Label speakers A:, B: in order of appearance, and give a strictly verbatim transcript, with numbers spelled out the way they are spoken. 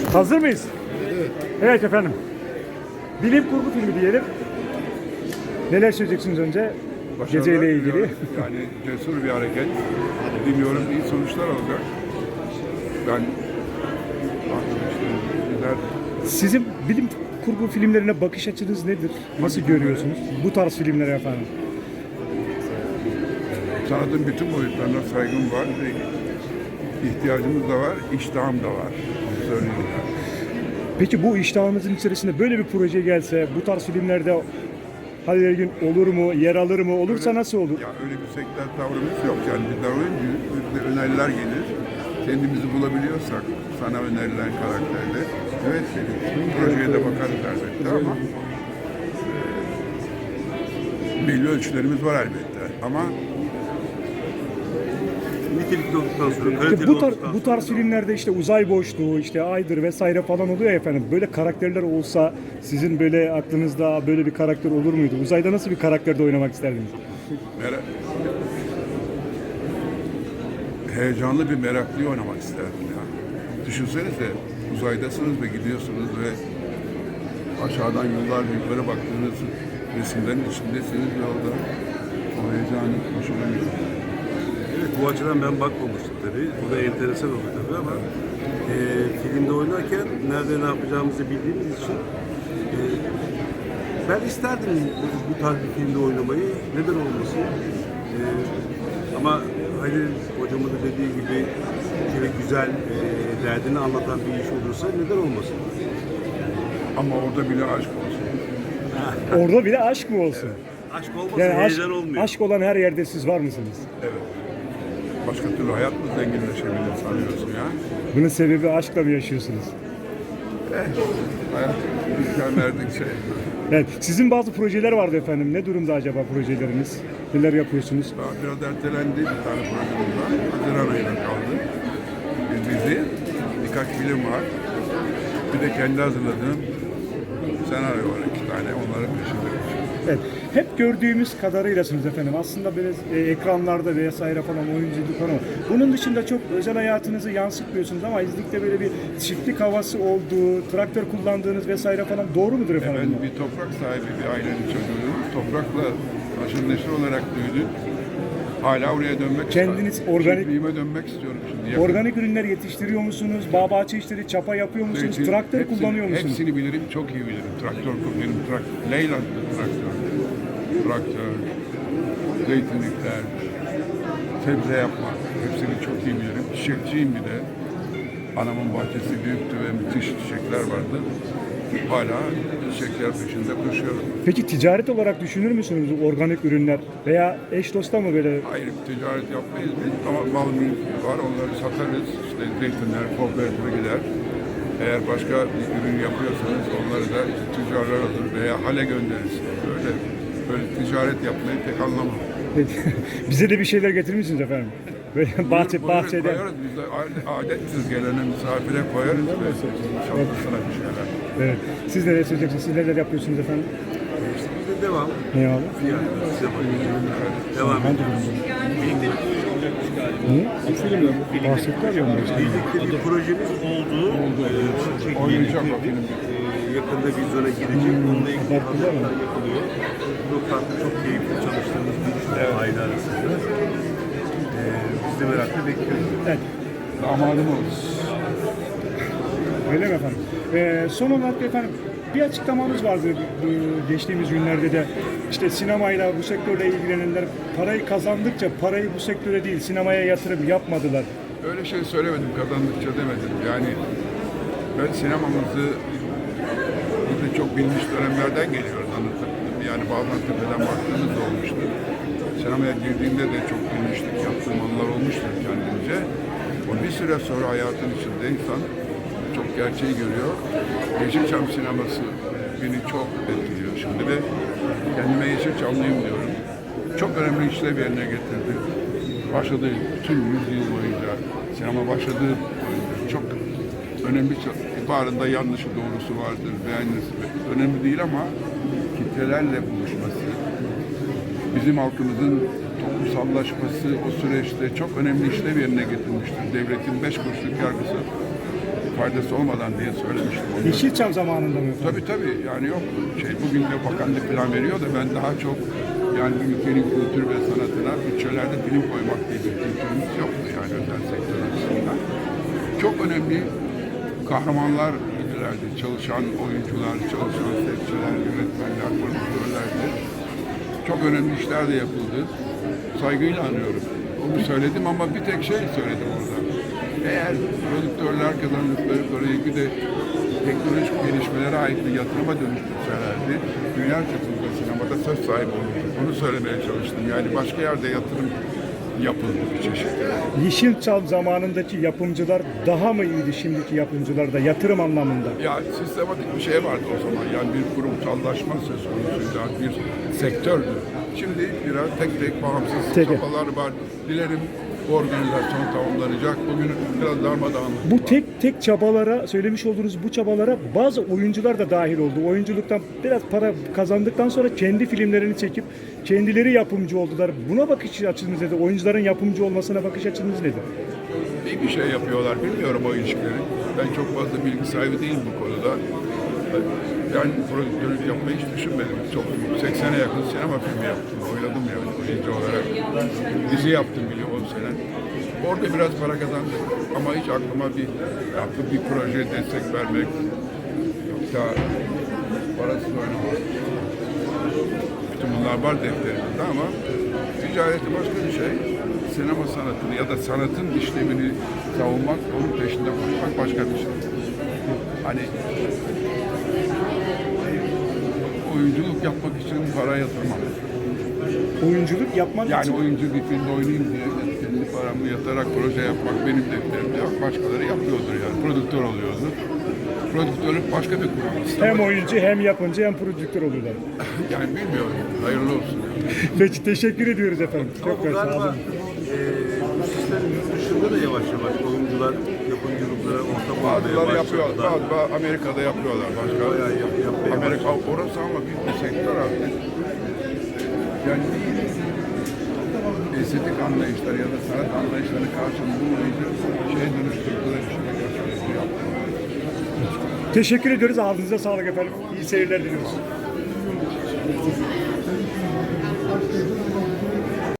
A: Hazır mıyız?
B: Evet.
A: Evet efendim. Bilim kurgu filmi diyelim. Neler söyleyeceksiniz önce?
C: Başarılar
A: Geceyle ilgili.
C: diliyorum. Yani cesur bir hareket. Bilmiyorum, iyi sonuçlar olacak. Ben güzel.
A: Sizin bilim kurgu filmlerine bakış açınız nedir? Nasıl görüyorsunuz? Bu tarz filmlere efendim.
C: Sanatın bütün boyutlarına saygım var. İhtiyacımız da var, iştahım da var. Onu söyleyeyim.
A: Peki bu iştahınızın içerisinde böyle bir proje gelse, bu tarz filmlerde Halil Ergün olur mu, yer alır mı, olursa
C: Öyle-
A: nasıl olur?
C: Ya öyle bir sektör tavrımız yok. Yani bizden oyuncu, bizde öneriler gelir. Kendimizi bulabiliyorsak sana önerilen karakterde, evet dedik. Projeye de bakarız elbette ama e, belli ölçülerimiz var elbette. Ama
B: Nitelikli olduktan sonra,
A: İşte
B: kaliteli
A: bu, tar
B: olduktan
A: bu tarz filmlerde işte uzay boşluğu, işte aydır vesaire falan oluyor ya efendim. Böyle karakterler olsa sizin böyle aklınızda böyle bir karakter olur muydu? Uzayda nasıl bir karakterde oynamak isterdiniz?
C: Merak... Heyecanlı bir meraklıyı oynamak isterdim ya. Düşünsenize uzaydasınız ve gidiyorsunuz ve aşağıdan yıllar yukarı baktığınız resimlerin içindesiniz yolda. O heyecanı hoşuma gidiyor.
B: Evet, bu açıdan ben bakmamıştım tabii. Bu da enteresan oldu tabii ama e, filmde oynarken nerede ne yapacağımızı bildiğimiz için e, ben isterdim bu, bu tarz bir filmde oynamayı. Neden olmasın? E, ama Halil hocamın da dediği gibi şöyle güzel e, derdini anlatan bir iş olursa neden olmasın?
C: Ama orada bile aşk olsun.
A: Orada bile aşk mı olsun?
B: Aşk olmasa
A: Yani aşk,
B: heyecan olmuyor.
A: aşk olan her yerde siz var mısınız?
C: Evet. Başka türlü hayat mı zenginleşebilir sanıyorsun ya?
A: Bunun sebebi aşkla mı yaşıyorsunuz?
C: Eh, hayat imkan verdikçe.
A: Evet, sizin bazı projeler vardı efendim. Ne durumda acaba projeleriniz? Neler yapıyorsunuz?
C: Daha biraz ertelendi bir tane projemiz var. Haziran ayına kaldı. Bir dizi, birkaç film var. Bir de kendi hazırladığım senaryo var iki tane. Onların peşinde.
A: Evet, hep gördüğümüz kadarıylasınız efendim. Aslında böyle e, ekranlarda vesaire falan oyunculuk falan. Bunun dışında çok özel hayatınızı yansıtmıyorsunuz ama izlikte böyle bir çiftlik havası olduğu, traktör kullandığınız vesaire falan doğru mudur efendim?
C: Ben bir toprak sahibi bir ailenin çocuğuyum. Toprakla aşırı neşir olarak büyüdüm. Hala oraya dönmek
A: Kendiniz
C: istiyorum.
A: organik-
C: Çiftliğime dönmek istiyorum şimdi. Yakın.
A: Organik ürünler yetiştiriyor musunuz? Bağ bahçe işleri, çapa yapıyor musunuz?
C: Zeytin,
A: Traktör
C: hepsini-
A: kullanıyor musunuz?
C: Hepsini bilirim, çok iyi bilirim. Traktör kullanırım, traktör, Leyland'lı traktör, traktör, zeytinlikler, sebze yapmak, hepsini çok iyi bilirim. Çiçekçiyim bir de. Anamın bahçesi büyüktü ve müthiş çiçekler vardı. Hala çiçekler peşinde koşuyorum.
A: Peki ticaret olarak düşünür müsünüz organik ürünler veya eş dosta mı böyle?
C: Hayır, ticaret yapmayız biz ama mal mülk var, onları satarız. İşte zeytinler, kooperatifine gider. Eğer başka bir ürün yapıyorsanız onları da tüccarlar alır veya hale göndeririz. Böyle böyle ticaret yapmayı pek anlamam.
A: Bize de bir şeyler getirir misiniz efendim? Böyle bahçe,
C: Buyurun,
A: bahçede.
C: koyarız biz de adetsiz gelene misafire koyarız ve şapkasına bir şeyler.
A: Evet. Siz neler söyleyeceksiniz? Siz neler yapıyorsunuz efendim?
B: İşte biz de devam.
A: Ne abi?
B: Yani size bakıyorum. Devam
A: Ben de
B: ediyoruz. Birlikte
A: Niye? Bahsettiler ya ondan işte.
B: Birlikte bir projemiz oldu. Oldu. Ee,
C: Oynayacak o film.
B: Ee, yakında vizyona girecek. Onunla ilgili hazırlıklar yapılıyor. Çok tatlı, çok keyifli çalıştığımız bir iş var aile arasında. Ee, biz de merakla bekliyoruz.
A: Evet.
C: Damadım oldu.
A: Öyle mi efendim? Ee, son olarak da efendim bir açıklamanız vardı bu geçtiğimiz günlerde de işte sinemayla bu sektörle ilgilenenler parayı kazandıkça parayı bu sektöre değil sinemaya yatırım yapmadılar.
C: Öyle şey söylemedim, kazandıkça demedim. Yani ben sinemamızı biz de çok bilmiş dönemlerden geliyoruz anlatabildim. Yani bazen tepeden baktığımız da olmuştu. Sinemaya girdiğimde de çok bilmiştik, yaptığım anılar olmuştur kendimce. O bir süre sonra hayatın içinde insan çok gerçeği görüyor. Yeşilçam sineması beni çok etkiliyor şimdi ve kendime Yeşilçamlıyım diyorum. Çok önemli işlev yerine getirdi. Başladığı tüm yüzyıl boyunca, sinema başladığı boyunca çok önemli, barında yanlışı doğrusu vardır, beğenisi önemli değil ama kitlelerle buluşması, bizim halkımızın toplumsallaşması o süreçte çok önemli işlev yerine getirmiştir. Devletin beş kuruşluk yargısı faydası olmadan diye söylemiştim onu.
A: Yeşilçam zamanında mı?
C: Tabii tabii yani yok şey bugün de bakanlık plan veriyor da ben daha çok yani bir ülkenin kültür ve sanatına bütçelerde film koymak diye bir kültürümüz yoktu yani özel sektör açısından. Çok önemli kahramanlar idilerdi. Çalışan oyuncular, çalışan sesçiler, yönetmenler, prodüktörlerdi. Çok önemli işler de yapıldı. Saygıyla anıyorum. Onu söyledim ama bir tek şey söyledim orada. Eğer prodüktörler kazandıkları parayı bir de teknolojik gelişmelere ait bir yatırıma dönüştürselerdi, dünya çapında sinemada söz sahibi olurdu. Onu söylemeye çalıştım. Yani başka yerde yatırım yapıldı bir çeşit.
A: Yeşilçam zamanındaki yapımcılar daha mı iyiydi şimdiki yapımcılarda yatırım anlamında?
C: Ya sistematik bir şey vardı o zaman. Yani bir kurumsallaşma söz konusuydu. Bir sektördü. Şimdi biraz tek tek bağımsız
A: Tek.
C: çabalar var. Dilerim bu organizasyon tamamlanacak. Bugün biraz darmadağınlık
A: Bu
C: var.
A: tek tek çabalara, söylemiş olduğunuz bu çabalara bazı oyuncular da dahil oldu. Oyunculuktan biraz para kazandıktan sonra kendi filmlerini çekip kendileri yapımcı oldular. Buna bakış açınız nedir? Oyuncuların yapımcı olmasına bakış açınız nedir?
C: İyi bir şey yapıyorlar. Bilmiyorum o ilişkileri. Ben çok fazla bilgi sahibi değilim bu konuda. Ben prodüktörlük yapmayı hiç düşünmedim. Çok seksene yakın sinema filmi yaptım. Oynadım yani oyuncu olarak. Dizi yaptım bile on sene. Orada biraz para kazandım. Ama hiç aklıma bir yaptım bir proje destek vermek. Yoksa parasız oynamak. Bütün bunlar var defterimizde ama ticareti başka bir şey. Sinema sanatını ya da sanatın işlemini savunmak, onun peşinde koşmak başka bir şey. Hani oyunculuk yapmak için para yatırmam.
A: Oyunculuk yapmak
C: Yani
A: için
C: oyuncu bir filmde oynayayım diye kendi paramı yatarak proje yapmak benim defterimde yok. Başkaları yapıyordur yani. Prodüktör oluyordur. Prodüktörlük başka bir kurum.
A: hem oyuncu hem yapımcı hem prodüktör oluyorlar.
C: Yani bilmiyorum. Hayırlı olsun.
A: Peki teşekkür ediyoruz efendim.
B: Ama
A: Çok
B: bu
A: sağ
B: galiba
A: olun.
B: e, bu sistem yurt dışında da yavaş yavaş oyuncular yapımcılıklara ortak olmaya
C: Bazıları yapıyor,
B: başladılar.
C: bazı Amerika'da yapıyorlar. Başka
B: Bayağı yap, yapmaya
C: Amerika orası ama büyük bir sektör artık. Yani estetik anlayışları ya da sanat anlayışları karşılığı bulmayınca şeye dönüştürdüler işte. Yaptılar.
A: Teşekkür ediyoruz. Ağzınıza sağlık efendim. İyi seyirler diliyoruz.